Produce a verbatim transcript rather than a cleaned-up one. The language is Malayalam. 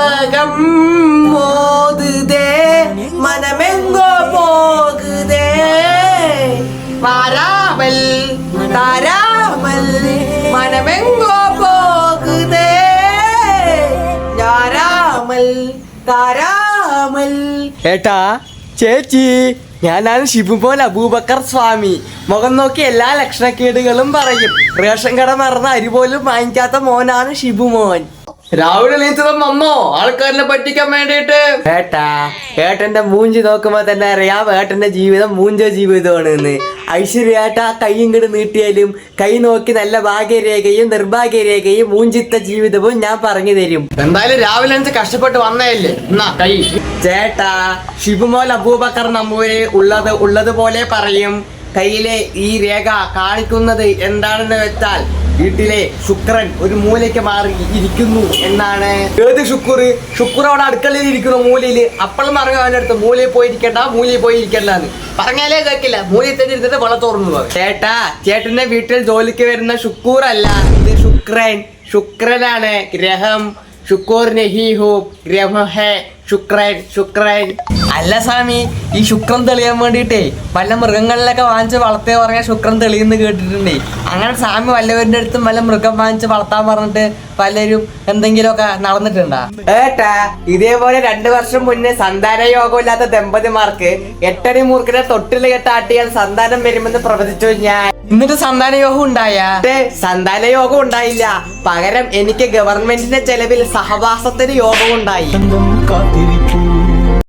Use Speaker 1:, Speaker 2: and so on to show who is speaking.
Speaker 1: ஞாபகம் மோதுதே மனமெங்கோ போகுதே வாராமல் தாராமல் மனமெங்கோ போகுதே ஞாராமல் താരാമൽ. ഏട്ടാ ചേച്ചി, ഞാനാണ് ഷിബുമോൻ അബൂബക്കർ സ്വാമി. മുഖം നോക്കി എല്ലാ ലക്ഷണക്കേടുകളും പറയും. റേഷൻ കട മറന്ന അരി പോലും വാങ്ങിക്കാത്ത മോനാണ് ഷിബുമോൻ. രാവിലെ നീച്ചതും വന്നോ ആൾക്കാരിനെ പറ്റിക്കാൻ വേണ്ടിട്ട്? ഏട്ടാ, ഏട്ടന്റെ മൂഞ്ചി നോക്കുമ്പോ തന്നെ അറിയാം ഏട്ടന്റെ ജീവിതം മൂഞ്ച ജീവിതമാണ് എന്ന്. ഐശ്വര്യേട്ടാ കൈയും കിട് നീട്ടിയാലും കൈ നോക്കി നല്ല ഭാഗ്യരേഖയും നിർഭാഗ്യരേഖയും മൂഞ്ചിത്ത ജീവിതവും ഞാൻ പറഞ്ഞു തരും. എന്തായാലും രാവിലെ എനിക്ക് കഷ്ടപ്പെട്ട് വന്നേല്ലേ, എന്നാ കൈ. ചേട്ടാ, ഷിബുമോൻ അബൂബക്കർ നമ്പൂരി ഉള്ളത് ഉള്ളതുപോലെ പറയും. കയ്യിലെ ഈ രേഖ കാണിക്കുന്നത് എന്താണെന്ന് വെച്ചാൽ വീട്ടിലെ ശുക്രൻ ഒരു മൂലയ്ക്ക് മാറി ഇരിക്കുന്നു എന്നാണ്. ഏത് ശുക്ർ? ശുക്ർ അവിടെ അടുക്കളയിൽ ഇരിക്കുന്നു മൂലയില്. അപ്പോഴും പറഞ്ഞു അവൻ്റെ അടുത്ത് മൂലയിൽ പോയിരിക്കണ്ട, മൂലയിൽ പോയി ഇരിക്കണ്ടെന്ന് പറഞ്ഞാലേ കേൾക്കില്ല. മൂലയിൽ തന്നെ ഇരുന്നിട്ട് വെള്ളം തുറന്നു പോകും. ചേട്ടാ, ചേട്ടന്റെ വീട്ടിൽ ജോലിക്ക് വരുന്ന ശുക്കൂർ അല്ല, ഇത് ശുക്രൻ. ശുക്രനാണ് ഗ്രഹം. ശുക്കൂർ നഹി ഹോ ഗ്രഹ ഹേ ശുക്രൻ. ശുക്രൻ അല്ല സ്വാമി, ഈ ശുക്രൻ തെളിയാൻ വേണ്ടിയിട്ടേ വല്ല മൃഗങ്ങളിലൊക്കെ വാങ്ങിച്ച് വളർത്തേ പറഞ്ഞാൽ ശുക്രൻ തെളിയെന്ന് കേട്ടിട്ടുണ്ടേ. അങ്ങനെ സ്വാമി വല്ലവരുടെ അടുത്തും വല്ല മൃഗം വാങ്ങിച്ച് വളർത്താൻ പറഞ്ഞിട്ട് പലരും എന്തെങ്കിലുമൊക്കെ നടന്നിട്ടുണ്ടാ? ഏട്ടാ, ഇതേപോലെ രണ്ടു വർഷം മുന്നേ സന്താന യോഗമില്ലാത്ത ദമ്പതിമാർക്ക് എട്ടടി മൂർഖനെ തൊട്ടിൽ കെട്ടാട്ടിയാൽ സന്താനം വരുമെന്ന് പ്രവചിച്ചു ഞാൻ. എന്നിട്ട് സന്താന യോഗം ഉണ്ടായ? സന്താന യോഗം ഉണ്ടായില്ല, പകരം എനിക്ക് ഗവൺമെന്റിന്റെ ചെലവിൽ സഹവാസത്തിന് യോഗം ഉണ്ടായി.